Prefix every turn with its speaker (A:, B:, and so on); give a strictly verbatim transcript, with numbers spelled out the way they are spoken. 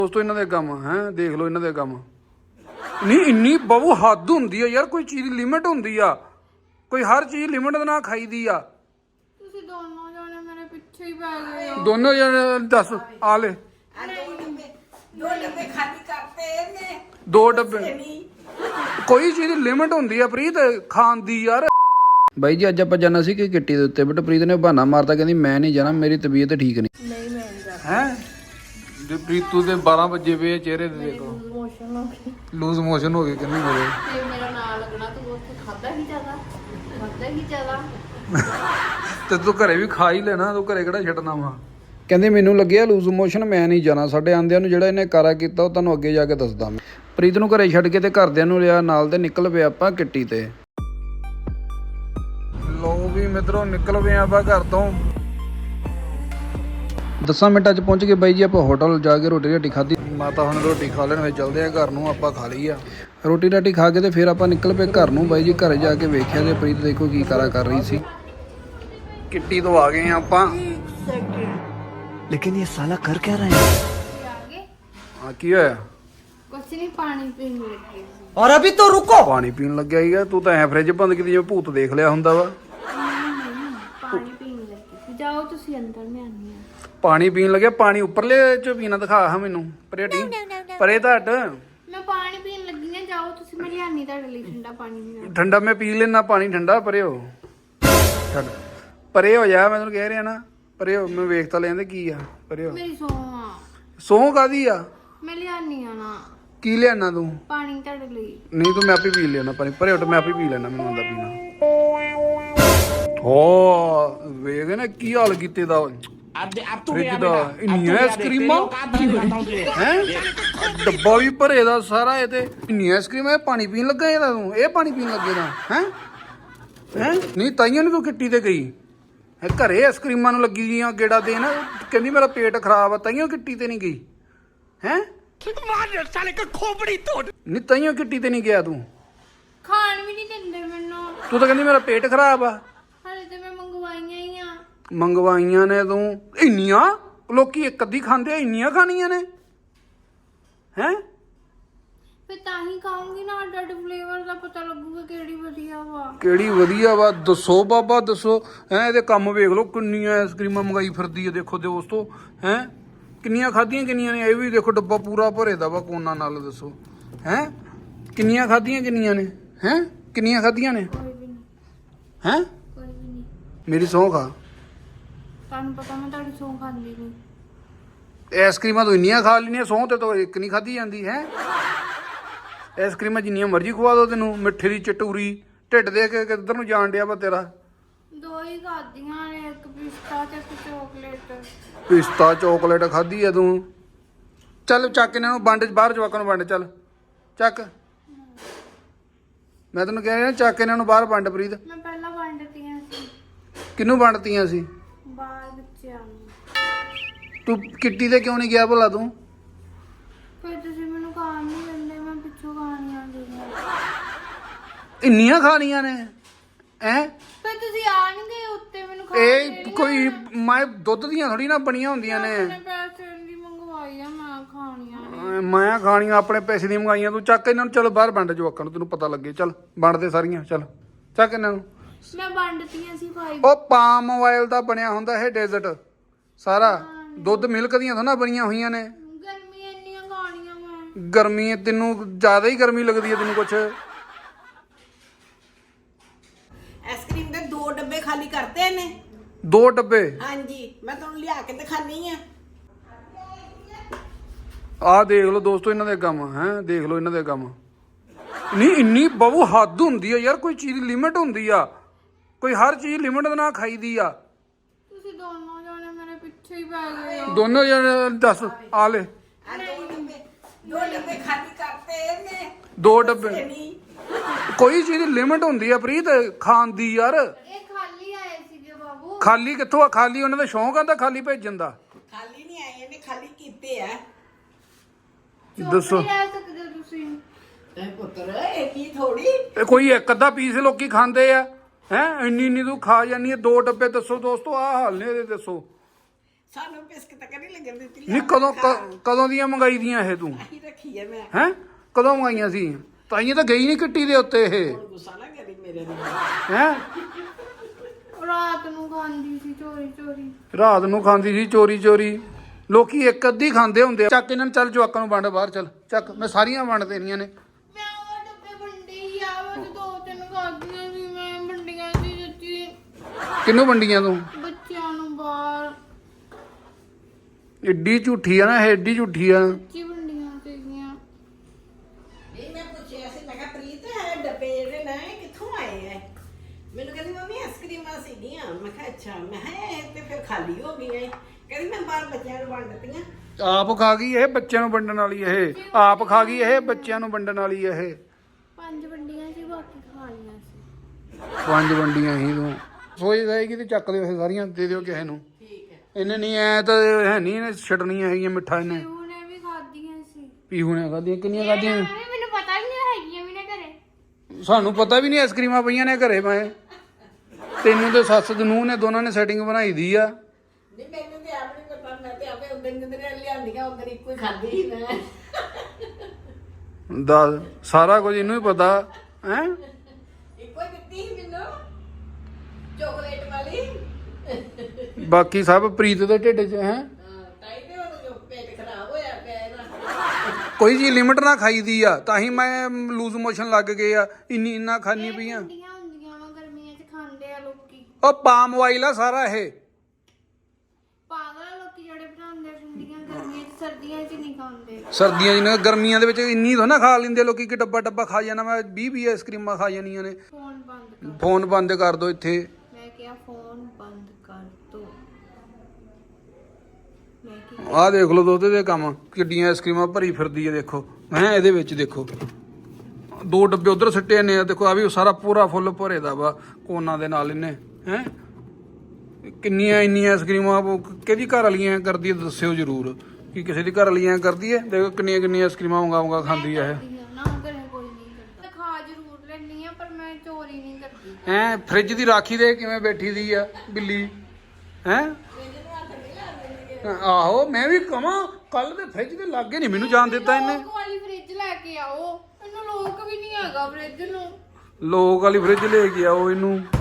A: ਦੋਸਤੋ ਇਹਨਾਂ ਦੇ ਕੰਮ ਹੈ, ਦੇਖ ਲਓ ਇਹਨਾਂ ਦੇ ਕੰਮ। ਨਹੀਂ ਇੰਨੀ ਬਹੁ ਹੱਦ ਹੁੰਦੀ ਆ ਯਾਰ, ਕੋਈ ਚੀਜ਼ ਦੀ ਲਿਮਿਟ ਹੁੰਦੀ ਆ, ਕੋਈ ਹਰ ਚੀਜ਼ ਲਿਮਿਟ ਦੇ ਨਾਲ ਖਾਈਦੀ ਆ।
B: ਤੁਸੀਂ ਦੋਨੋਂ ਜਾਣੇ ਮੇਰੇ ਪਿੱਛੇ ਹੀ ਪੈ ਗਏ ਹੋ।
A: ਦੋਨੋਂ ਜਣੇ ਦੱਸ ਆ ਲੈ
C: ਦੋ ਡੱਬੇ ਖਾਲੀ ਕਰਤੇ ਨੇ।
A: ਦੋ ਡੱਬੇ, ਕੋਈ ਚੀਜ਼ ਦੀ ਲਿਮਿਟ ਹੁੰਦੀ ਆ ਪ੍ਰੀਤ ਖਾਣ ਦੀ ਯਾਰ। ਬਾਈ ਜੀ ਅੱਜ ਆਪਾਂ ਜਾਣਾ ਸੀ ਕਿ ਕਿੱਟੀ ਦੇ ਉੱਤੇ, ਬਟ ਪ੍ਰੀਤ ਨੇ ਬਹਾਨਾ ਮਾਰਤਾ, ਕਹਿੰਦੀ ਮੈਂ ਨਹੀਂ ਜਾਣਾ, ਮੇਰੀ ਤਬੀਅਤ ਠੀਕ ਨਹੀਂ।
B: ਨਹੀਂ ਮੈਂ ਨਹੀਂ ਜਾਣਾ
A: ਹੈ ਜੇ ਪ੍ਰੀਤੂ ਦੇ ਬਾਰਾਂ ਵਜੇ ਪਏ ਚਿਹਰੇ ਤੇ ਦੇਖੋ,
B: ਮੋਸ਼ਨ ਹੋ ਗਈ
A: ਲੂਜ਼ ਮੋਸ਼ਨ ਹੋ ਗਏ ਕਹਿੰਦੀ ਮੇਰੇ।
B: ਤੇ ਮੇਰਾ ਨਾਂ ਲੱਗਣਾ ਤੂੰ ਉੱਥੇ ਖਾਦਾ ਹੀ ਜ਼ਿਆਦਾ ਖਾਦਾ ਹੀ ਜ਼ਿਆਦਾ
A: ਤੇ ਤੂੰ ਘਰੇ ਵੀ ਖਾ ਹੀ ਲੈਣਾ, ਤੂੰ ਘਰੇ ਕਿਹੜਾ ਛੱਡਣਾ ਵਾ। ਕਹਿੰਦੇ ਮੈਨੂੰ ਲੱਗਿਆ ਲੂਜ਼ ਮੋਸ਼ਨ, ਮੈਂ ਨਹੀਂ ਜਾਣਾ। ਸਾਡੇ ਆਂਦਿਆਂ ਨੂੰ ਜਿਹੜਾ ਇਹਨੇ ਕਾਰਾ ਕੀਤਾ ਉਹ ਤੁਹਾਨੂੰ ਅੱਗੇ ਜਾ ਕੇ ਦੱਸਦਾ ਮੈਂ। ਪ੍ਰੀਤ ਨੂੰ ਘਰੇ ਛੱਡ ਕੇ ਤੇ ਘਰਦਿਆਂ ਨੂੰ ਲਿਆ ਨਾਲ ਦੇ ਨਿਕਲ ਪਏ ਆਪਾਂ ਕਿੱਟੀ ਤੇ। ਲੋ ਵੀ ਮਿੱਤਰੋ ਨਿਕਲ ਪਏ ਆਪਾਂ ਘਰ ਤੋਂ। ਦਸਾਂ ਮਿੰਟਾਂ 'ਚ ਪਹੁੰਚ ਗਏ ਬਾਈ ਜੀ ਆਪਾਂ ਹੋਟਲ ਜਾ ਕੇ ਰੋਟੀ ਰਾਟੀ ਖਾਧੀ। ਮਾਤਾ ਹੁਣ ਰੋਟੀ ਖਾ ਲੈਣ ਫਿਰ ਚੱਲਦੇ ਆ ਘਰ ਨੂੰ। ਆਪਾਂ ਖਾ ਲਈ ਆ ਰੋਟੀ ਰਾਟੀ ਖਾ ਕੇ ਤੇ ਫਿਰ ਆਪਾਂ ਨਿਕਲ ਪਏ ਘਰ ਨੂੰ। ਬਾਈ ਜੀ ਘਰੇ ਜਾ ਕੇ ਵੇਖਿਆ ਤੇ ਪ੍ਰੀਤ ਦੇਖੋ ਕੀ ਕਾਰਾ ਕਰ ਰਹੀ ਸੀ। ਕਿੱਟੀ ਤੋਂ ਆ ਗਏ ਆ ਆਪਾਂ।
D: लेकिन ये साला कर क्या रहे हैं?
B: ਆਗੇ
A: ਹਾਂ ਕੀ ਹੋਇਆ?
B: ਕੁਛ ਨਹੀਂ ਪਾਣੀ ਪੀਣ ਲੱਗੀ ਸੀ।
D: और अभी तो रुको।
A: ਪਾਣੀ ਪੀਣ ਲੱਗਿਆ ਹੀਗਾ ਤੂੰ ਤਾਂ ਐ ਫ੍ਰਿਜ ਬੰਦ ਕੀਤੀ ਜਿਵੇਂ ਭੂਤ ਦੇਖ ਲਿਆ ਹੁੰਦਾ ਵਾ।
B: ਪਾਣੀ ਪੀਣ ਲੱਗੀ ਸੀ। ਜਾਓ ਤੁਸੀਂ ਅੰਦਰ, ਮੈਂ ਆਨੀ ਆ।
A: ਪਾਣੀ ਪੀਣ ਲੱਗਿਆ, ਪਾਣੀ ਉੱਪਰਲੇ ਚ ਪੀਣਾ ਦਿਖਾ ਹਾਂ ਮੈਨੂੰ। ਪਰੇ ਟੀ ਪਰੇ ਧੱਟ
B: ਮੈਂ ਪਾਣੀ ਪੀਣ ਲੱਗੀ ਨੇ, ਜਾਓ ਤੁਸੀਂ, ਮੈਂ ਲਿਆਨੀ ਤੁਹਾਡੇ ਲਈ ਠੰਡਾ ਪਾਣੀ ਵੀ।
A: ਠੰਡਾ ਮੈਂ ਪੀ ਲੈਣਾ ਪਾਣੀ ਠੰਡਾ। ਪਰੇ ਹੋ ਛੱਡ, ਪਰੇ ਹੋ ਜਾ, ਮੈਂ ਤੈਨੂੰ ਕਹਿ ਰਿਹਾ ਨਾ ਪਰੇ ਹੋ। ਮੈਂ ਵੇਖ ਤਾਂ ਲੈਂਦੇ ਕੀ ਆ। ਪਰੇ ਹੋ।
B: ਮੇਰੀ ਸੌਂ ਆ,
A: ਸੌਂ ਕਾਦੀ ਆ?
B: ਮੈਂ ਲਿਆਨੀ ਆ ਨਾ
A: ਕੀ ਲਿਆਣਾ ਤੂੰ?
B: ਪਾਣੀ ਤੁਹਾਡੇ ਲਈ।
A: ਨਹੀਂ ਤੂੰ ਮੈਂ ਆਪੇ ਪੀ ਲੈਣਾ ਪਾਣੀ। ਪਰੇ ਉੱਠ, ਮੈਂ ਆਪੇ ਪੀ ਲੈਣਾ, ਮੈਨੂੰ ਆਉਂਦਾ ਪੀਣਾ। ਹੋ ਵੇਖ ਨਾ ਕੀ ਹਾਲ ਕੀਤੇ ਦਾ ਫ੍ਰਿਜ ਦਾ। ਇੰਨੀਆਂ ਆਈਸਕ੍ਰੀਮਾਂ ਹੈ, ਡੱਬਾ ਵੀ ਭਰੇ ਦਾ ਸਾਰਾ। ਇਹ ਤੇ ਇੰਨੀਆਂ ਆਈਸਕ੍ਰੀਮਾਂ। ਇਹ ਪਾਣੀ ਪੀਣ ਲੱਗਾ ਇਹਦਾ ਤੂੰ? ਇਹ ਪਾਣੀ ਪੀਣ ਲੱਗੇ ਦਾ ਹੈ ਹੈ ਨਹੀਂ ਤਾਈਆਂ ਨੂੰ ਤੂੰ ਕਿੱਟੀ ਤੇ ਗਈ ਹੈ? ਘਰੇ ਆਈਸਕ੍ਰੀਮਾਂ ਨੂੰ ਲੱਗੀ ਗਈਆਂ ਗੇੜਾ ਦੇਣ। ਕਹਿੰਦੀ ਮੇਰਾ ਪੇਟ ਖਰਾਬ ਆ, ਤਾਈਆਂ ਕਿੱਟੀ ਤੇ ਨਹੀਂ ਗਈ ਹੈ? ਨਹੀਂ ਤਾਈਆਂ ਕਿੱਟੀ ਤੇ ਨਹੀਂ ਗਿਆ ਤੂੰ?
B: ਖਾਣ ਵੀ ਨਹੀਂ ਦਿੰਦੇ ਮੈਨੂੰ।
A: ਤੂੰ ਤਾਂ ਕਹਿੰਦੀ ਮੇਰਾ ਪੇਟ ਖਰਾਬ ਆ।
B: ਹਾਲੇ ਤੇ ਮੈਂ ਮੰਗਵਾਈਆਂ ਹੀ ਆ।
A: ਮੰਗਵਾਈਆਂ ਨੇ ਤੂੰ? ਇੰਨੀਆਂ ਲੋਕੀ ਇੱਕ ਅੱਧੀ ਖਾਂਦੇ ਆ, ਇੰਨੀਆਂ ਖਾਣੀਆਂ ਨੇ ਹੈ?
B: ਫਿਰ ਤਾਂ ਹੀ ਖਾਉਂਗੀ ਨਾ, ਅੱਡ ਅੱਡ ਫਲੇਵਰ ਦਾ ਪਤਾ ਲੱਗੂਗਾ ਕਿਹੜੀ ਵਧੀਆ ਵਾ।
A: ਕਿਹੜੀ ਵਧੀਆ ਵਾ ਦੱਸੋ ਬਾਬਾ ਦੱਸੋ। ਹੈ ਇਹਦੇ ਕੰਮ ਵੇਖ ਲਓ, ਕਿੰਨੀਆਂ ਆਈਸਕ੍ਰੀਮਾਂ ਮੰਗਾਈ ਫਿਰਦੀ ਹੈ। ਦੇਖੋ ਦੋਸਤੋ ਹੈ ਕਿੰਨੀਆਂ ਖਾਧੀਆਂ ਕਿੰਨੀਆਂ ਨੇ। ਇਹ ਵੀ ਦੇਖੋ ਡੱਬਾ ਪੂਰਾ ਭਰੇ ਦਾ ਵਾ ਕੋਨਾ ਨਾਲ। ਦੱਸੋ ਹੈ ਕਿੰਨੀਆਂ ਖਾਧੀਆਂ ਕਿੰਨੀਆਂ ਨੇ? ਹੈ ਕਿੰਨੀਆਂ ਖਾਧੀਆਂ ਨੇ?
B: ਕੋਈ ਵੀ ਨਹੀਂ,
A: ਹੈ
B: ਕੋਈ ਵੀ ਨਹੀਂ।
A: ਮੇਰੀ ਸਹੁੰ ਖਾ।
B: ਤੁਹਾਨੂੰ ਪਤਾ ਮੈਂ ਤੁਹਾਡੀ ਸੌਂ ਖਾਂਦੀ ਨਹੀਂ।
A: ਆਈਸਕ੍ਰੀਮਾਂ ਤੂੰ ਇੰਨੀਆਂ ਖਾ ਲੈਣੀਆਂ, ਸਹੁੰ ਤੇ ਤਾਂ ਇੱਕ ਨਹੀਂ ਖਾਧੀ ਜਾਂਦੀ ਹੈ। ਆਈਸਕ੍ਰੀਮਾਂ ਜਿੰਨੀਆਂ ਮਰਜ਼ੀ ਖਵਾ ਦੋ ਤੈਨੂੰ। ਮਿੱਠੇ ਦੀ ਚਟੂਰੀ ਢਿੱਡ ਦੇ ਕੇ ਕਿੱਧਰ ਨੂੰ ਜਾਣ ਡਿਆ ਵਾ ਤੇਰਾ।
B: ਦੋ ਹੀ ਖਾਧੀਆਂ ਨੇ, ਇੱਕ ਪਿਸਤਾ ਤੇ ਇੱਕ ਚਾਕਲੇਟ।
A: ਪਿਸਤਾ ਚੋਕਲੇਟ ਖਾਧੀ ਆ ਤੂੰ? ਚੱਲ ਚੱਕ ਇਹਨਾਂ ਨੂੰ ਵੰਡ, ਬਾਹਰ ਜਵਾਕਾਂ ਨੂੰ ਵੰਡ। ਚੱਲ ਚੱਕ, ਮੈਂ ਤੈਨੂੰ ਕਹਿ ਰਿਹਾ ਚੱਕ ਇਹਨਾਂ ਨੂੰ ਬਾਹਰ ਵੰਡ। ਪ੍ਰੀਤ
B: ਮੈਂ ਪਹਿਲਾਂ ਵੰਡਤੀਆਂ ਸੀ
A: ਕਿਹਨੂੰ ਵੰਡਤੀਆਂ ਸੀ?
B: ਬਾਹਰ ਬੱਚਿਆਂ ਨੂੰ।
A: ਤੂੰ ਕਿੱਟੀ ਤੇ ਕਿਉਂ ਨਹੀਂ ਗਿਆ ਭਲਾ ਤੂੰ?
B: ਫਿਰ ਤੁਸੀਂ ਮੈਨੂੰ ਖਾਣ ਨਹੀਂ ਦਿੰਦੇ, ਮੈਂ ਪਿੱਛੋਂ ਖਾਣੀਆਂ ਸੀਗੀਆਂ।
A: ਇੰਨੀਆਂ ਖਾਣੀਆਂ ਨੇ ਐ?
B: ਫਿਰ ਤੁਸੀਂ ਆਣਗੇ ਉੱਤੇ ਮੈਨੂੰ ਖਾਣ
A: ਇਹ ਕੋਈ ਮੈਂ ਦੁੱਧ ਦੀਆਂ ਥੋੜੀ ਨਾ ਬਣੀਆਂ ਹੁੰਦੀਆਂ ਨੇ।
B: ਆਪਣੇ ਪੈਸੇ ਦੀ ਮੰਗਵਾਈ ਆ, ਮੈਂ ਖਾਣੀਆਂ ਨੇ।
A: ਐ ਮੈਂ ਖਾਣੀਆਂ ਆਪਣੇ ਪੈਸੇ ਦੀਆਂ ਮੰਗਾਈਆਂ। ਤੂੰ ਚੱਕ ਇਹਨਾਂ ਨੂੰ, ਚਲ ਬਾਹਰ ਵੰਡ ਜਵਾਕਾਂ ਨੂੰ, ਤੈਨੂੰ ਪਤਾ ਲੱਗੇ। ਚੱਲ ਵੰਡ ਦੇ ਸਾਰੀਆਂ। ਚੱਲ ਚੱਕ ਇਹਨਾਂ ਨੂੰ।
B: ਮੈਂ ਵੰਡਤੀਆਂ ਸੀ ਭਾਈ।
A: ਉਹ ਪਾਮ ਆਇਲ ਦਾ ਬਣਿਆ ਹੁੰਦਾ ਇਹ ਡੇਜ਼ਰਟ ਸਾਰਾ। ਦੁੱਧ ਮਿਲਕ ਦੀਆਂ ਥੋੜਾ ਬਣੀਆਂ ਹੋਈਆਂ ਨੇ।
B: ਗਰਮੀ ਇੰਨੀਆਂ ਖਾਣੀਆਂ ਮੈਂ।
A: ਗਰਮੀ ਤੈਨੂੰ ਜ਼ਿਆਦਾ ਹੀ ਗਰਮੀ ਲੱਗਦੀ ਹੈ ਤੈਨੂੰ ਕੁਛ।
C: ਆਈਸਕ੍ਰੀਮ ਦੇ ਦੋ ਡੱਬੇ ਖਾਲੀ ਕਰਤੇ ਨੇ।
A: ਦੋ ਡੱਬੇ?
C: ਹਾਂਜੀ, ਮੈਂ ਤੁਹਾਨੂੰ ਲਿਆ ਕੇ ਦਿਖਾਨੀ ਆ।
A: ਆਹ ਦੇਖ ਲਓ ਦੋਸਤੋ ਇਹਨਾਂ ਦੇ ਕੰਮ ਹੈ, ਦੇਖ ਲਓ ਇਹਨਾਂ ਦੇ ਕੰਮ। ਨਹੀਂ ਇੰਨੀ ਬਹੁ ਹੱਦ ਹੁੰਦੀ ਆ ਯਾਰ, ਕੋਈ ਚੀਜ਼ ਦੀ ਲਿਮਿਟ ਹੁੰਦੀ ਆ, ਕੋਈ ਹਰ ਚੀਜ਼ ਲਿਮਿਟ ਦੇ ਨਾਲ ਖਾਈਦੀ ਆ।
B: ਤੁਸੀਂ ਦੋਨੋਂ ਜਾਣੇ ਮੇਰੇ ਪਿੱਛੇ ਹੀ ਪੈ ਗਏ ਹੋ।
A: ਦੋਨੋਂ ਜਣੇ ਦੱਸ ਆ ਲੈ।
C: ਆ ਦੋ ਡੱਬੇ ਦੋ ਡੱਬੇ ਖਾਲੀ ਕਰਤੇ ਨੇ।
A: ਦੋ ਡੱਬੇ, ਕੋਈ ਚੀਜ਼ ਦੀ ਲਿਮਿਟ ਹੁੰਦੀ ਆ ਪ੍ਰੀਤ ਖਾਣ ਦੀ ਯਾਰ।
B: ਇਹ ਖਾਲੀ ਆਏ ਸੀਗੇ ਬਾਬੂ।
A: ਖਾਲੀ ਕਿੱਥੋਂ ਆ? ਖਾਲੀ ਉਹਨਾਂ ਦਾ ਸ਼ੌਂਕ ਆਂਦਾ ਖਾਲੀ ਭੇਜਣ ਦਾ।
C: ਖਾਲੀ ਨਹੀਂ ਆਏ ਨੇ, ਖਾਲੀ ਕੀਤੇ ਆ।
A: ਦੱਸੋ
B: ਚੁੱਪ ਨਹੀਂ ਰਹਿ ਸਕਦੇ ਤੁਸੀਂ।
C: ਤੇ ਪੁੱਤਰ ਇਹ ਕੀ ਥੋੜੀ।
A: ਇਹ ਕੋਈ ਇੱਕ ਅੱਧਾ ਪੀਸ ਲੋਕੀ ਖਾਂਦੇ ਆ ਹੈ? ਇੰਨੀ ਇੰਨੀ ਤੂੰ ਖਾ ਜਾਨੀ ਹੈ। ਦੋ ਡੱਬੇ ਦੱਸੋ ਦੋਸਤੋ, ਆਹ ਹਾਲ ਨੇ ਇਹਦੇ। ਦੱਸੋ
C: ਸਾਨੂੰ ਬਿਸਕਟ ਤਾਂ ਕਦੀ ਲੱਗਣ ਦਿੱਤੀ
A: ਨਹੀਂ ਕਦੋਂ ਕ- ਕਦੋਂ ਦੀਆਂ ਮੰਗਾਈ ਦੀਆਂ ਇਹ ਤੂੰ
C: ਹੀ ਰੱਖੀ ਹੈ ਮੈਂ
A: ਹੈ ਕਦੋਂ ਮੰਗਾਈਆਂ ਸੀ ਤਾਈਆਂ ਤਾਂ ਗਈ ਨਹੀਂ ਕਿੱਟੀ ਦੇ ਉੱਤੇ ਇਹ
C: ਹੁਣ ਗੁੱਸਾ ਨਾ ਕਰੀ ਮੇਰੇ ਨਾਲ
A: ਹੈ
B: ਰਾਤ ਨੂੰ ਖਾਂਦੀ ਸੀ ਚੋਰੀ ਚੋਰੀ
A: ਰਾਤ ਨੂੰ ਖਾਂਦੀ ਸੀ ਚੋਰੀ ਚੋਰੀ ਲੋਕੀ ਇੱਕ ਅੱਧੀ ਖਾਂਦੇ ਹੁੰਦੇ ਆ ਚੱਕ ਇਹਨਾਂ ਨੂੰ ਚੱਲ ਜਵਾਕਾਂ ਨੂੰ ਵੰਡ ਬਾਹਰ ਚੱਲ ਚੱਕ ਮੈਂ ਸਾਰੀਆਂ ਵੰਡ ਦੇਣੀਆਂ ਨੇ
B: ਮੈਂ ਉਹ ਡੱਬੇ ਵੰਡੇ ਹੀ ਆ ਉਹ ਦੋ ਤਿੰਨ ਖਾਧੀਆਂ ਸੀ ਮੈਂ ਵੰਡੀਆਂ ਸੀ ਸੱਚੀ
A: ਕਿਹਨੂੰ ਵੰਡੀਆਂ ਤੂੰ
B: ਬੱਚਿਆਂ ਨੂੰ ਬਾਹਰ
A: ਏਡੀ ਝੂਠੀ ਆ ਨਾ ਇਹ ਏਡੀ ਝੂਠੀ ਆ
B: ਸੱਚੀ ਵੰਡੀਆਂ ਸੀਗੀਆਂ
C: ਨਹੀਂ ਮੈਂ ਪੁੱਛਿਆ ਸੀ ਮੈਂ ਕਿਹਾ ਪ੍ਰੀਤ ਇਹ ਡੱਬੇ ਜਿਹੜੇ ਨੇ ਇਹ ਕਿੱਥੋਂ ਆਏ ਐ ਮੈਨੂੰ ਕਹਿੰਦੀ ਮੰਮੀ ਆਈਸਕ੍ਰੀਮਾਂ ਸੀਗੀਆਂ ਮੈਂ ਕਿਹਾ ਅੱਛਾ ਮੈਂ ਕਿਹਾ ਇਹ ਤੇ ਫਿਰ ਖਾਲੀ ਹੋ ਗਈਆਂ ਏ। ਕਹਿੰਦੀ ਮੈਂ ਬਾਹਰ ਬੱਚਿਆਂ ਨੂੰ ਵੰਡ ਦਿੱਤੀਆਂ
A: ਆਪ ਖਾ ਗਈ ਇਹ ਬੱਚਿਆਂ ਨੂੰ ਵੰਡਣ ਵਾਲੀ ਇਹ ਆਪ ਖਾ ਗਈ ਇਹ ਬੱਚਿਆਂ ਨੂੰ ਵੰਡਣ ਵਾਲੀ ਇਹ
B: ਪੰਜ ਵੰਡੀਆਂ ਸੀ ਬਾਕੀ ਖਾ ਲਈਆਂ ਸੀ
A: ਪੰਜ ਵੰਡੀਆਂ ਹੀ ਤੂੰ ਸੋਚ ਜਾਏਗੀ ਤੇ ਚੱਕ ਦਿਓ ਇਹ ਸਾਰੀਆਂ ਦੇ ਦਿਓ ਕਿਸੇ ਨੂੰ
C: ਠੀਕ ਹੈ
A: ਇਹਨੇ ਨਹੀਂ ਐ ਤਾਂ ਹੈ ਨਹੀਂ ਇਹਨੇ ਛੱਡਣੀਆਂ ਹੈਗੀਆਂ ਮਿੱਠਾ ਇਹਨੇ
B: ਉਹਨੇ ਵੀ ਖਾਧੀਆਂ ਸੀ
A: ਪੀਹੂ ਨੇ ਖਾਧੀਆਂ ਕਿੰਨੀਆਂ ਖਾਧੀਆਂ
B: ਮੈਨੂੰ ਪਤਾ ਵੀ ਨਹੀਂ ਹੈਗੀਆਂ ਵੀ ਨਾ ਘਰੇ
A: ਸਾਨੂੰ ਪਤਾ ਵੀ ਨਹੀਂ ਆਈਸਕ੍ਰੀਮਾਂ ਪਈਆਂ ਨੇ ਘਰੇ ਮੈਂ ਤੈਨੂੰ ਤੇ ਸੱਸ ਦੇ ਨੂੰਹ ਨੇ ਦੋਨਾਂ ਨੇ ਸੈਟਿੰਗ ਬਣਾਈ ਦੀ ਆ
C: ਨਹੀਂ ਮੈਨੂੰ ਤੇ ਆਪ ਨਹੀਂ ਪਤਾ ਮੈਂ ਤੇ ਆਪੇ ਉਦੋਂ ਜਿੰਦਰੇ ਲਿਆਂਦੀਆਂ ਉਦੋਂ ਇੱਕੋ ਹੀ ਖਾਧੀ ਸੀ ਮੈਂ
A: ਦੱਸ ਸਾਰਾ ਕੁਝ ਇਹਨੂੰ ਹੀ ਪਤਾ ਹੈ
C: ਇੱਕੋ ਹੀ ਦਿੱਤੀ ਸੀ ਮੈਨੂੰ ਚਾਕਲੇਟ ਵਾਲੀ
A: ਬਾਕੀ ਸਭ ਪ੍ਰੀਤ ਦੇ ਢਿੱਡ 'ਚ ਹੈ
C: ਹਾਂ ਤਾਈ ਤੇ ਉਹ ਜੋ ਪੇਟ ਖਰਾਬ ਹੋਇਆ ਪਿਆ ਇਹਦਾ
A: ਕੋਈ ਜੀ ਲਿਮਟ ਨਾ ਖਾਈਦੀ ਆ ਤਾਂ ਹੀ ਮੈਂ ਲੂਜ਼ ਮੋਸ਼ਨ ਲੱਗ ਗਏ ਆ ਇੰਨੀ ਇੰਨਾ ਖਾਣੀ ਪਈਆਂ
B: ਵੰਡੀਆਂ ਹੁੰਦੀਆਂ ਵਾ ਗਰਮੀਆਂ 'ਚ ਖਾਂਦੇ ਆ ਲੋਕੀ
A: ਉਹ ਪਾਮ ਆਇਲ ਆ ਸਾਰਾ ਇਹ
B: ਪਾਗਲ ਆ ਲੋਕੀ ਜਿਹੜੇ ਬਣਾਉਂਦੇ ਆ ਵੰਡੀਆਂ ਗਰਮੀਆਂ 'ਚ ਸਰਦੀਆਂ 'ਚ ਨਹੀਂ ਖਾਂਦੇ
A: ਸਰਦੀਆਂ ਜਿਹੀਆਂ ਗਰਮੀਆਂ ਦੇ ਵਿੱਚ ਇੰਨੀ ਤਾਂ ਨਾ ਖਾ ਲੈਂਦੇ ਲੋਕੀ ਕਿ ਡੱਬਾ ਡੱਬਾ ਖਾ ਜਾਣਾ ਮੈਂ ਵੀਹ ਵੀਹ ਆਈਸਕ੍ਰੀਮਾਂ ਖਾ ਜਾਣੀਆਂ ਨੇ
B: ਫੋਨ ਬੰਦ ਕਰ
A: ਫੋਨ ਬੰਦ ਕਰ ਦੋ ਇੱਥੇ
B: ਮੈਂ ਕਿਹਾ ਫੋਨ ਬੰਦ ਕਰ ਦੋ ਮੈਂ ਕੀ
A: ਆਹ ਦੇਖ ਲਓ ਦੁੱਧ ਦੇ ਕੰਮ ਕਿੱਡੀਆਂ ਆਈਸਕ੍ਰੀਮਾਂ ਭਰੀ ਫਿਰਦੀ ਹੈ ਦੇਖੋ ਹੈ ਇਹਦੇ ਵਿੱਚ ਦੇਖੋ ਦੋ ਡੱਬੇ ਉਧਰ ਸਿੱਟੇ ਨੇ ਦੇਖੋ ਆ ਵੀ ਸਾਰਾ ਪੂਰਾ ਫੁੱਲ ਭਰੇ ਦਾ ਵਾ ਕੋਨਾ ਦੇ ਨਾਲ ਇਹਨੇ ਹੈ ਕਿੰਨੀਆਂ ਇੰਨੀਆਂ ਆਈਸਕ੍ਰੀਮਾਂ ਕਿਹਦੀ ਘਰ ਵਾਲੀਆਂ ਕਰਦੀ ਹੈ ਦੱਸਿਓ ਜ਼ਰੂਰ ਕਿ ਕਿਸੇ ਦੀ ਘਰ ਵਾਲੀਆਂ ਕਰਦੀ ਹੈ ਦੇਖੋ ਕਿੰਨੀਆਂ ਕਿੰਨੀਆਂ ਆਈਸਕ੍ਰੀਮਾਂ ਮੰਗਾ ਮੰਗਾ ਖਾਂਦੀ ਹੈ
B: ਕਰਦੀ ਆ ਨਾ ਘਰੇ ਕੋਈ ਨਹੀਂ ਕਰਦਾ ਖਾ ਜ਼ਰੂਰ ਲੈਂਦੀ ਆ ਪਰ ਮੈਂ ਚੋਰੀ ਨਹੀਂ ਕਰਦੀ
A: ਇਹ ਹੈ ਫ੍ਰਿਜ ਦੀ ਰਾਖੀ ਦੇ ਕਿਵੇਂ ਬੈਠੀ ਦੀ ਆ ਬਿੱਲੀ ਹੈ ਆਹੋ ਮੈਂ ਵੀ ਕਹਾਂ ਕੱਲ ਦੇ ਫ੍ਰਿਜ ਦੇ ਲਾਗੇ ਨਹੀਂ ਮੈਨੂੰ ਜਾਣ ਦਿੱਤਾ ਇਹਨੇ
B: ਲੋਕ ਵਾਲੀ ਫ੍ਰਿਜ ਲੈ ਕੇ ਆਓ ਇਹਨੂੰ ਲੋਕ ਵੀ ਨਹੀਂ ਹੈਗਾ ਫ੍ਰਿਜ ਨੂੰ
A: ਲੋਕ ਵਾਲੀ ਫ੍ਰਿਜ ਲੈ ਕੇ ਆਓ ਇਹਨੂੰ